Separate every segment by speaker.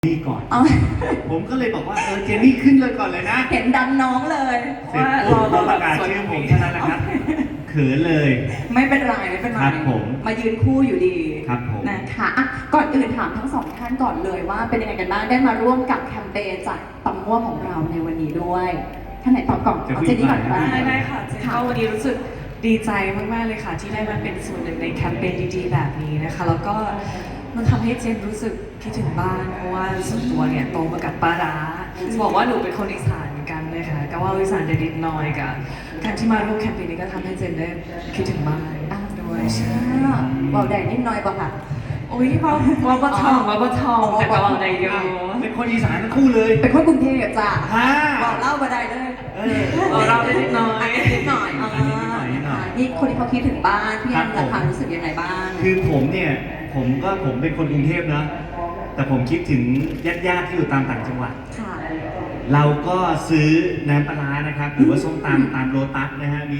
Speaker 1: นี่ก่อน
Speaker 2: เอา
Speaker 1: ผมก็เลยบอกว่าเจนนี่ขึ้นเลยก่อนเลยนะ
Speaker 2: เห็นดันน้องเลย
Speaker 1: เสร็จปุ๊บพอประกาศชื่อผมเท่านั้นนะครับเขินเลย
Speaker 2: ไม่เป็นไรไม่เป็นไร
Speaker 1: ครับผม
Speaker 2: มายืนคู่อยู่ดี
Speaker 1: ครับผม
Speaker 2: นะคะอ่ะก่อนอื่นถามทั้งสองท่านก่อนเลยว่าเป็นยังไงกันบ้างได้มาร่วมกับแคมเปญจากตำม่วของเราในวันนี้ด้วยท่านไหนตอบก่อนเอาเจนนี่ก่อนก็ได้
Speaker 3: ได้ค่ะเจนก็วันนี้รู้สึกดีใจมากๆเลยค่ะ ที่ได้มาเป็นส่วนหนึ่งในแคมเปญดีๆแบบนี้นะคะ แล้วก็มันทำให้เจนรู้สึกคิดถึงบ้านเพราะว่าส่วนตัวเนี่ยโตมากับปลาร้าจะบอกว่าหนูเป็นคนอีสานเหมือนกันเลยค่ะก็ว่าอีสานเด็ดๆน้อยกับการที่มาร่วมแคมเปญนี้ก็ทำให้เจนได้คิดถึงบ้านด้วยใช่
Speaker 2: เบาแดงนิดหน่อยป่ะคะ
Speaker 3: โอ้ยว่าปะทองแต่ก็ว่าในเดียว
Speaker 1: เป็นคนอีสานทั้งคู่เลย
Speaker 2: เป็นคนกรุงเทพจ้ะ
Speaker 1: ฮ่า
Speaker 2: บอกเล่ามาได้เลย
Speaker 3: เราได้นิดน้อย
Speaker 2: นิดหน่อยนี่คนที่เขาคิดถึงบ้านพี่แอมราคารู้สึกยังไงบ้าง
Speaker 1: คือผมเนี่ยผมเป็นคนกรุงเทพนะแต่ผมคิดถึงญาติๆที่อยู่ตามต่างจังหวัด
Speaker 2: ค่ะ
Speaker 1: เราก็ซื้อน้ำปลาร้านะครับหรือว่าส้มตำตามโลตัสนะฮะมี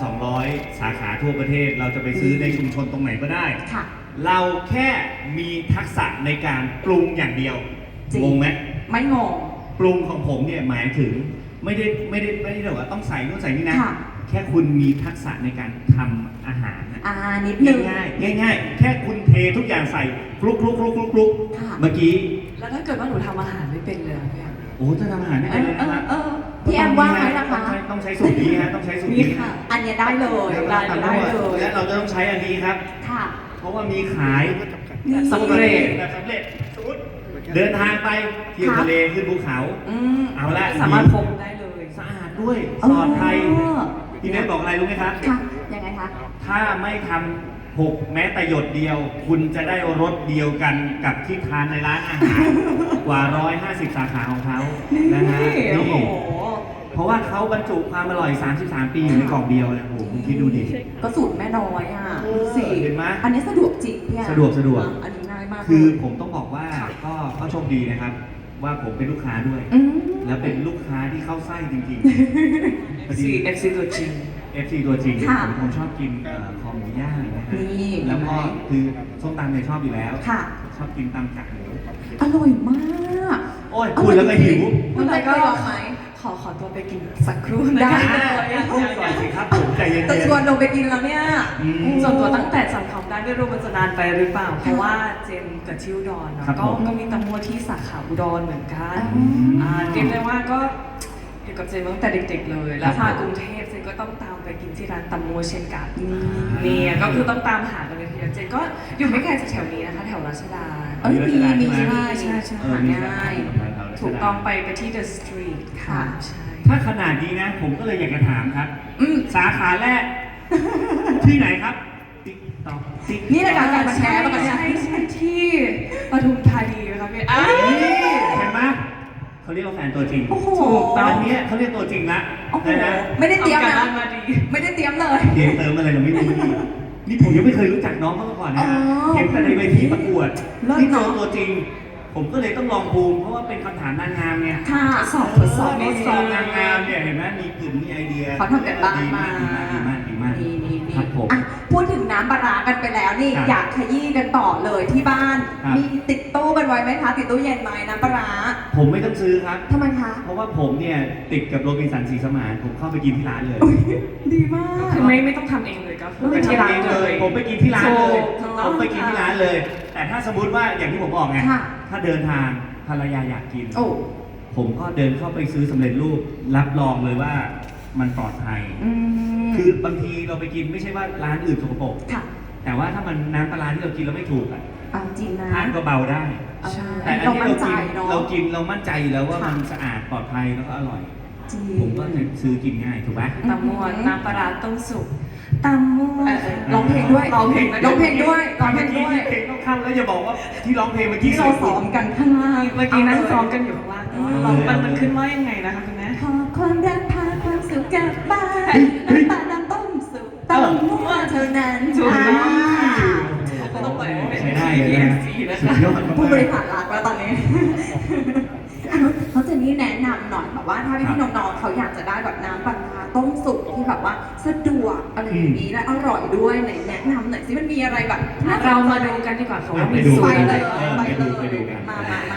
Speaker 1: 2,200 สาขาทั่วประเทศ เราจะไปซื้อในชุมชนตรงไหนก็ได้ ค่ะ เราแค่มีทักษะในการปรุงอย่างเดียวงงไหม
Speaker 2: ไม่งง
Speaker 1: ปรุงของผมเนี่ยหมายถึงไม่ได้แบบว่าต้องใส่นู่นใส่นี่นะ
Speaker 2: ค่ะ
Speaker 1: แค่คุณมีทักษะในการทำอาหาร
Speaker 2: นิดนึง
Speaker 1: ง่ายๆแค่คุณเททุกอย่างใส่คลุก
Speaker 2: ค่ะ
Speaker 1: เมื่อกี้
Speaker 3: แล้วถ้าเกิดว่าหนูทำอาหารไม่เป็นเลยอะพี่แอม
Speaker 1: โอ้ถ้าทำอาหารไม่เป็นเลยนะครับ
Speaker 2: พี่แอมว่าไหมล่ะคะ
Speaker 1: ต้องใช้สูตรนี้ฮะต้องใช้สูตร
Speaker 3: นี่
Speaker 1: นี้
Speaker 3: ค่ะ
Speaker 2: อันเนี้ยได้เลย
Speaker 1: ได้
Speaker 2: ได้เลย
Speaker 1: และเราจะต้องใช้อันนี้ครับ
Speaker 2: ค่ะ
Speaker 1: เพราะว่ามีขาย
Speaker 3: สำเร็จ
Speaker 1: แบบสำเร็จสมมติเดินทางไปเที่ยวทะเลขึ้นภูเขา เอาละ
Speaker 3: สามารถพกได้เลย
Speaker 1: สะอาดด้วยปลอดภัยพี่เนทบอกอะไรรู้ไหมครับ
Speaker 2: ค่ะ ยังไงคะ
Speaker 1: ถ้าไม่ทำหกแม้แต่หยดเดียว คุณจะได้รสเดียวกันกับที่ทานในร้านอาหาร กว่า 150 สาขาของเขานะฮะ
Speaker 3: โอ้โห
Speaker 1: เพราะว่าเขาบรรจุความอร่อย 33 ปีอยู่ในกล่องเดียวเลยโอ้โหคุณคิดดูดิ
Speaker 2: ก็สูตรแม่น้อยอ่ะดูสิ
Speaker 1: เห็นไหม
Speaker 2: อันนี้สะดวกจริงพี่แอม
Speaker 1: สะดวก
Speaker 2: อันนี้ง่ายมาก
Speaker 1: คือผมต้องบอกว่าก็โชคดีนะครับ ว่าผมเป็นลูกค้าด้วย แล้วเป็นลูกค้าที่เข้าไส้จริงๆพอดี
Speaker 3: FC ตัวจริง
Speaker 1: FC ตัวจริงผมชอบกินคอหมูย่างนะฮะ
Speaker 2: นี่
Speaker 1: แล้วก็คือส้มตำเนี่ยชอบอยู่แล้ว
Speaker 2: ค่ะ
Speaker 1: ชอบกินตำกากหมู
Speaker 2: อร่อยมาก
Speaker 1: โอ้ยพูดแล้วก็หิว
Speaker 2: คุณใจก็ลองไหม
Speaker 3: ขอตัวไปกินสักครู่
Speaker 2: ได้
Speaker 3: นะคะ
Speaker 1: พูดก่อนสิครับผมใจเย็น
Speaker 2: แต่ชวนลงไปกินแล้วเนี่ย
Speaker 3: ส่วนตัวตั้งแต่จำคำได้ไม่รู้มันจะนานไปหรือเปล่า เพราะว่าเจนกับที่อุดรเนาะก็มีตำมัวที่สาขาอุดรเหมือนกันเรียกได้ว่าก็อยู่กับเจนมาตั้งแต่เด็กๆเลย แล้วมากรุงเทพเจนก็ต้องตามไปกินที่ร้านตำมัวเช่นกันเนี่ยก็คือต้องตามหากันเลยทีเดียวเจนก็อยู่ไม่ไกลจากแถวนี้นะคะแถวรัชดา
Speaker 2: เอ้ยมี
Speaker 3: ใช่
Speaker 2: หาง่าย
Speaker 3: ถูกต้องไปที่ The Street ค่ะใช่
Speaker 1: ถ้าขนาดนี้นะ ผมก็เลยอยากจะถามครับ สาขาแรก ที่ไหนครับติ๊กต๊อกติ๊ก
Speaker 2: นี่รายการมาแชร์ป่ะเนี่ย
Speaker 3: ใช่ที่ปทุมธานีนะคะพี่
Speaker 1: นี่เห็นไหมเขาเรียกว่าแฟนตัวจริง
Speaker 2: โอ้โห
Speaker 3: ถูกต้
Speaker 1: ต
Speaker 3: ง
Speaker 1: อนนี้เขาเรียกตัวจริงละ
Speaker 2: โอ้โห
Speaker 1: นะ
Speaker 2: ไม่ได้เตรียม
Speaker 3: อา
Speaker 2: นะ
Speaker 3: การมาดี
Speaker 2: ไม่ได้เตรียมเลย
Speaker 1: เกมเติมอะไรเราไม่รู้นี่ผมยังไม่เคยรู้จักน้องเขามาก่อนนะ
Speaker 2: อ๋อ
Speaker 1: เห็นแต่ในเวทีประกวด
Speaker 2: เลิศ
Speaker 1: นี่เจ
Speaker 2: เน
Speaker 1: อ
Speaker 2: อะ
Speaker 1: ตัวจริง ผมก็เลยต้องลองภูมิเพราะว่าเป็นคำถามนางงามไง
Speaker 2: ค่ะ
Speaker 3: ทดสอบ
Speaker 1: นี่สอบนางงามเนี่ยเห็นไหมมีกลุ่มมีไอเดีย
Speaker 2: เขาทำกันบ้าน
Speaker 1: ดี
Speaker 2: มาม
Speaker 1: ากดีมาก
Speaker 2: นี่
Speaker 1: ครับผม
Speaker 2: อ่ะพูดถึงน้ำปลาร้ากันไปแล้วนี่
Speaker 1: ครับ
Speaker 2: อยากขยี้กันต่อเลยที่บ้าน
Speaker 1: ครับ
Speaker 2: มีติดตู้กันไว้ไหมคะ ติดตู้เย็นไหมน้ำปลาร้า
Speaker 1: ผมไม่ต้องซื้อครับ
Speaker 2: ทำไมคะ
Speaker 1: เพราะว่าผมเนี่ยติดกับโรบินสันศรีสมานผมเข้าไปกินที่ร้านเลย
Speaker 2: ดีมาก
Speaker 3: คือไม่ต้องทำเองเลยก็คือไปที่ร้านเลย
Speaker 1: ผมไปกินที่ร้านเลย
Speaker 3: ถูก
Speaker 1: ผมไปกินที่ร้านเลย แต่ถ้าสมมุติว่าอย่างที่ผมบอกไง
Speaker 2: ค่ะ
Speaker 1: ถ้าเดินทางภรรยาอยากกิน
Speaker 2: โอ้
Speaker 1: ผมก็เดินเข้าไปซื้อสำเร็จรูปรับรองเลยว่ามันปลอดภัย
Speaker 2: ม
Speaker 1: คือบางทีเราไปกินไม่ใช่ว่าร้านอื่นสกปรก
Speaker 2: ค่ะ
Speaker 1: แต่ว่าถ้ามันน้ำปลาร้าที่เรากินแล้วไม่ถูกอ่ะ
Speaker 2: เอาจริงนะ
Speaker 1: ทานก็เบาได้
Speaker 3: ใช่
Speaker 1: แต่อัน
Speaker 2: เรา
Speaker 1: ที่
Speaker 2: มั่น
Speaker 1: เรา
Speaker 2: ใจ
Speaker 1: กิน
Speaker 2: เนาะ
Speaker 1: เรากินเรามั่นใจอยู่แล้วว่า
Speaker 2: ค่ะ
Speaker 1: มันสะอาดปลอดภัยแล้วก็อร่อย
Speaker 2: จริง
Speaker 1: ผมก็จะซื้อกินง่ายถูกไหม
Speaker 3: ตำมวนน้ำปลาร้าต้มสุกตำมวน
Speaker 2: ร้องเพลงด้วย
Speaker 3: ร้องเพลง
Speaker 2: ร้องเพลงด้วยร้องเพลงด้วย
Speaker 1: เพลงต้องเข้าแล้วอย่าบอกว่าที่ร้องเพลงเมื่อกี้
Speaker 2: ที่เราซ้อมกันข้างล่าง
Speaker 3: เมื่อกี้นั่งซ้อมกันอยู่ข้างล่างแต่ว่าเรามันขึ้นว่ายังไงนะคะคุณแม่
Speaker 2: ขอความรักพาความสุขกลับบ้านน้ำตาลน้ำต้มสุกเต้าหัวเท่านั้น
Speaker 3: ถูกต้อง
Speaker 1: โอ้
Speaker 3: ต้อง
Speaker 1: โห
Speaker 3: เปิดเป็น
Speaker 1: ใช้ได้เลยนะ
Speaker 3: PNC นะ
Speaker 1: สุด
Speaker 3: คะ
Speaker 1: ยอดมาก
Speaker 2: ผู้บริหารรักแล้วตอนนี้เขาจะนี่แนะนำหน่อยแบบว่าถ้าพี่น้องๆเขาอยากจะได้แบบน้ำปลาร้าต้มสุกที่แบบว่าสะดวกอะไรอย่างนี้และอร่อยด้วยไหนแนะนำหน่อยสิมันมีอะไรแบบ
Speaker 3: เรามาดูกันดีกว่าค่ะว่ามี
Speaker 1: ดู
Speaker 3: สู
Speaker 2: ไป
Speaker 3: ตรอะ
Speaker 2: เล
Speaker 3: ไร
Speaker 2: ย
Speaker 3: บ้าง
Speaker 2: ไป
Speaker 1: ไป
Speaker 2: เล
Speaker 1: ดู
Speaker 2: ย
Speaker 1: กัน
Speaker 2: มา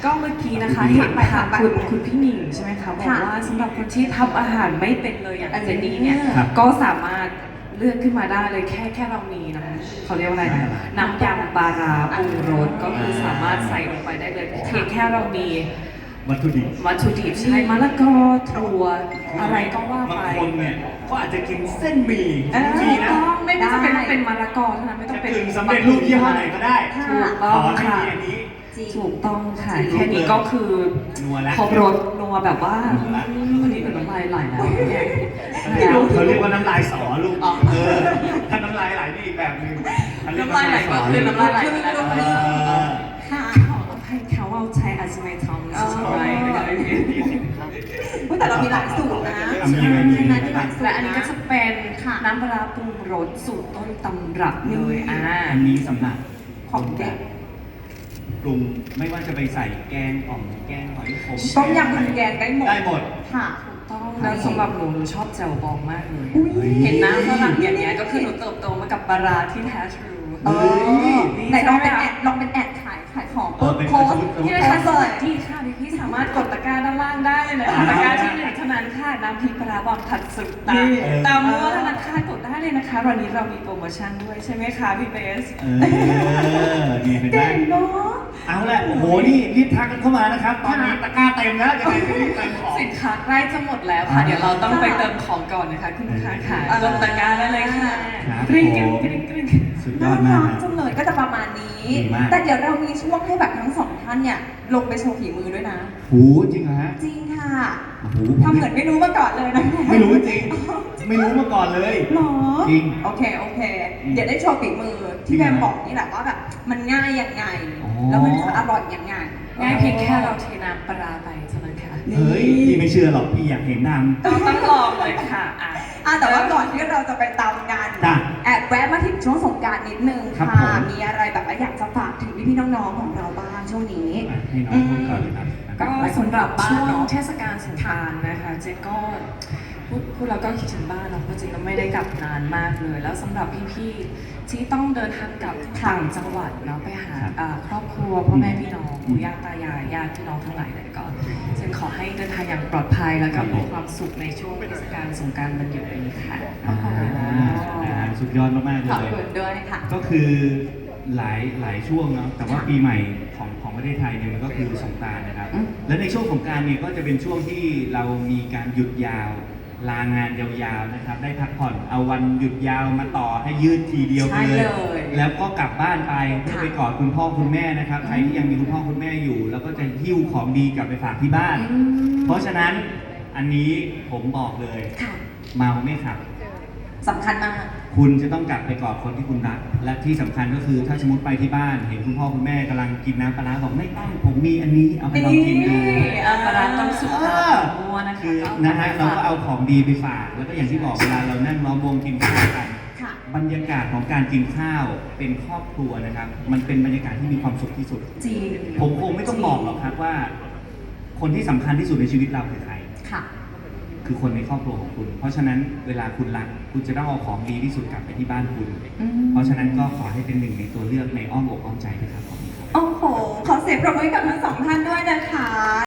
Speaker 3: ก็เมื่อกี้นะคะ
Speaker 2: อืม
Speaker 3: เห็นไปค่ะ
Speaker 2: ไป
Speaker 3: คุณพี่หนิงใช่ไหมคะบอก
Speaker 2: ค่ะ
Speaker 3: ว่าสำหรับคนที่ทำอาหารไม่เป็นเลยอย่างเจนนี่เนี่ย
Speaker 1: ครับ
Speaker 3: ก็สามารถเลือกขึ้นมาได้เลยแค่เรามีนะเขาเรียกว่าอะไรนะน้ำยำปลาร้าปรุงรสก็คือสามารถใส่ลงไปได้เลยเพียงแค่เรามี
Speaker 1: วัตถุดิบ
Speaker 3: วัตถุดิบใช่มะละกอถั่วอะไรก็ว่า
Speaker 1: บาง
Speaker 3: ไป
Speaker 1: คนเนี่ยก็อาจจะกินเส้นหมี่
Speaker 3: ถูก
Speaker 1: นะ
Speaker 3: ต้องไม่จำเป็นต้องเป็นมะละกอเท่านั้นไม่ต้อ
Speaker 1: จะ
Speaker 3: งเป็น
Speaker 1: กึ่งสำเร็จรูปยี่ห้อไหนก็ได้
Speaker 2: ค่ะ
Speaker 3: ถูก
Speaker 1: ข
Speaker 3: ต้อง
Speaker 1: อให้
Speaker 3: ค่ะ
Speaker 1: มีอันนี้
Speaker 2: จริง
Speaker 3: ถูกต้องค่ะ
Speaker 2: จริง
Speaker 3: แค่นี้ก็คือ
Speaker 1: นัวแล้ว
Speaker 3: ครบรสนัวแบบว่า
Speaker 1: นัวละ
Speaker 3: วันนี้หนูน้ำลายไหลแล้วเนี่ย
Speaker 1: เขาเรียกว่าน้ำลายสอลูกถ้าน้ำลายไหลนี่อีกแบบหนึงอัเรีก
Speaker 3: น้ำลายไหลก็คือน้ำลายไหลไปแล้ว
Speaker 1: เออ
Speaker 2: ค่ะ
Speaker 3: ขออภัยเขาเอาใช้อาจไม่ทำใช่ไหมนะคะ
Speaker 2: อุ๊ยแต่เรามีหลายสูตรนะ
Speaker 1: มีไหมมีไหม
Speaker 2: มีหลายสูตร
Speaker 3: และอันนี้ก็จะเป็น
Speaker 2: ค่ะ
Speaker 3: น้ำปลาร้าปรุงรสสูตรต้นตำรับเลย
Speaker 1: อันนี้สำหรับ
Speaker 2: ของเด็ก
Speaker 1: ปรุงไม่ว่าจะไปใส่แกงอ่อมแกงหอยขม
Speaker 2: ต้มยำผัดแกงได้หมด
Speaker 1: ได้หมด
Speaker 2: ค่ะ
Speaker 3: ต้องแล้วสำหรับหนูชอบแจ่วบองมากเลย
Speaker 2: อุ๊ย
Speaker 3: เห็นน้ำฝรั่งอย่างเงี้ยก็คือหนูเติบโตมากับปลาร้าที่แท้ทรู
Speaker 2: เออ
Speaker 3: นี่
Speaker 2: ไหนลองเป็น
Speaker 3: ใช่ไหม
Speaker 2: แอดลองเป็นแอดขายของ
Speaker 1: เออเป็น
Speaker 2: โพสต์
Speaker 3: พี่
Speaker 2: โพ
Speaker 3: นะคะ
Speaker 2: สต์
Speaker 3: ส
Speaker 2: เล
Speaker 3: วั
Speaker 2: ย
Speaker 3: สดีค่ะพี่สามารถกดตะกร้าด้านล่างได้เลยนะคะตะกร้าที่หนึ่งเท่านั้นค่ะน้ำพริกปลาร้าบองผัดสุดตา
Speaker 2: นี่
Speaker 3: ตามมั่วเท่านั้นค่ะกดได้เลยนะคะวันนี้เรามีโปรโมชั่นด้วยใช่ไหมคะพี่เบส
Speaker 1: นี่เป็นไหม
Speaker 2: เก่งเนาะ
Speaker 1: เอาละโอ้โหนี่รีบทักกันเข้ามานะครับ ตอนนี้ตะกร้าเต็มแล้วยังไงก็รีบเติมของ
Speaker 3: สินค้าใกล้จะหมดแล้วค่ะ
Speaker 1: อ่า
Speaker 3: เดี๋ยวเราต้องไปเติมของก่อนนะคะคุณลูกค้าค่ะกดตะกร้าได้เลยค่ะ
Speaker 1: ครับ
Speaker 3: กริ๊ง
Speaker 1: ผม
Speaker 3: กริ๊งกริ๊ง
Speaker 1: สุดยอดมาก
Speaker 2: น่รั
Speaker 1: นะ
Speaker 2: จังเลยก็จะประมาณนี้
Speaker 1: ดีมาก
Speaker 2: แต่เดี๋ยวเรามีช่วงให้แบบทั้งสองท่านเนี่ยลงไปโชว์ฝีมือด้วยนะ
Speaker 1: หูจริงเหรอฮะ
Speaker 2: จริงค่ะ
Speaker 1: โอ้โห
Speaker 2: ทำเหมือนไม่รู้มาก่อนเลยนะ
Speaker 1: ไม่รู้จริง ไม่รู้มาก่อนเลย
Speaker 2: หรอ
Speaker 1: จริง
Speaker 2: โอเค เดี๋ยวได้โชว์ฝีมือที่แบมบอกนี่แหละว่าแบบมันง่ายยังไง
Speaker 1: อ๋อ
Speaker 2: แล้วมันจะอร่อยยังไง
Speaker 3: ง่ายเพียงแค่เราเทน้ำปลาร้าไปเท่านั้นค่ะ
Speaker 1: เฮ้ยพี่ไม่เชื่อหรอกพี่อยากเห็นน
Speaker 3: ต้องลองเลยค่ะอ่ะ
Speaker 2: แต่ว่าก่อนที่เราจะไปตามงาน
Speaker 1: จ้ะ
Speaker 2: แอบแวะมาถึงช่วงสงกรารนิดนึง
Speaker 1: ครับ
Speaker 2: ค่ะ
Speaker 1: ผม
Speaker 2: มีอะไรแบบว่าอยากจะฝากถึงพี่ๆน้องๆของเราบ้างช่วงนี้
Speaker 1: อ่ะให้น้องพูดก่อนเลยครับ
Speaker 3: ก็สำหรับช่วงเทศกาลสงกรานต์นะคะเจนก็พูดแล้วก็คิดถึงบ้านเนาะเพราะเจนก็ไม่ได้กลับนานมากเลย แล้วสำหรับพี่ๆที่ต้องเดินทางกลับต่างจังหวัดเนาะไปหาครอบครัวพ่อแม่พี่น้องปู่ย่าตายายญาติพี่น้องทั้งหลายเลยก็เจนขอให้เดินทางอย่างปลอดภัยแล้วก็มีความสุขในช่วงเทศกาลสงกรานต์วันหยุดนี้ค่ะ
Speaker 1: สุดยอดมากๆเล
Speaker 2: ขอบ
Speaker 1: ย
Speaker 2: คุณด้วยค่ะ
Speaker 1: ก็คือหลายช่วงเนาะแต่ว่าปีใหม่ของประเทศไทยเนี่ยมันก็คือสงกรานต์นะครับ
Speaker 2: อืม
Speaker 1: และในช่วงสงกรานต์เนี่ยก็จะเป็นช่วงที่เรามีการหยุดยาว ลางานยาวๆนะครับ ได้พักผ่อนเอาวันหยุดยาวมาต่อให้ยืดทีเดียวไปเลย
Speaker 2: ใช่เลย
Speaker 1: แล้วก็กลับบ้านไปเพื่อ
Speaker 2: ค่ะ
Speaker 1: ไปกอดคุณพ่อคุณแม่นะครับ ใครที่ยังมีคุณพ่อคุณแม่อยู่ แล้วก็จะหิ้วของดีกลับไปฝากที่บ้าน
Speaker 2: อืม
Speaker 1: เพราะฉะนั้นอันนี้ผมบอกเลย
Speaker 2: ค่ะ
Speaker 1: เมาไม่ขับ
Speaker 2: สำคัญมาก
Speaker 1: คุณจะต้องกลับไปกอดคนที่คุณรัก และที่สำคัญก็คือถ้าสมมติไปที่บ้าน เห็นคุณพ่อคุณแม่กำลังกินน้ำปลาร้าบอกไม่ต้องผมมีอันนี้เอาไปลองกินดู
Speaker 3: ปลาร้าต้มสุกตามมั่วนะคะ
Speaker 1: คือนะฮะเราก็เอาของดีไปฝาก แล้วก็อย่างที่บอกเวลาเรานั่งล้อมวงกินข้าวกัน
Speaker 2: ค่ะ
Speaker 1: บรรยากาศของการกินข้าวเป็นครอบครัวนะครับ มันเป็นบรรยากาศที่มีความสุขที่สุด
Speaker 2: จริง
Speaker 1: ผมคงไม่ต้องบอกหรอกครับว่า คนที่สำคัญที่สุดในชีวิตเราคือใคร
Speaker 2: ค่ะ
Speaker 1: คือคนในครอบครัวของคุณ เพราะฉะนั้นเวลาคุณรัก คุณจะต้องเอาของดีที่สุดกลับไปที่บ้านคุณ
Speaker 2: อืม
Speaker 1: เพราะฉะนั้นก็ขอให้เป็นหนึ่งในตัวเลือกในอ้อมอกอ้อมใจนะครับขอบคุณครับ
Speaker 2: โอ้โห ขอเสียงปรบมือให้กับทั้งสองท่านด้วยนะคะ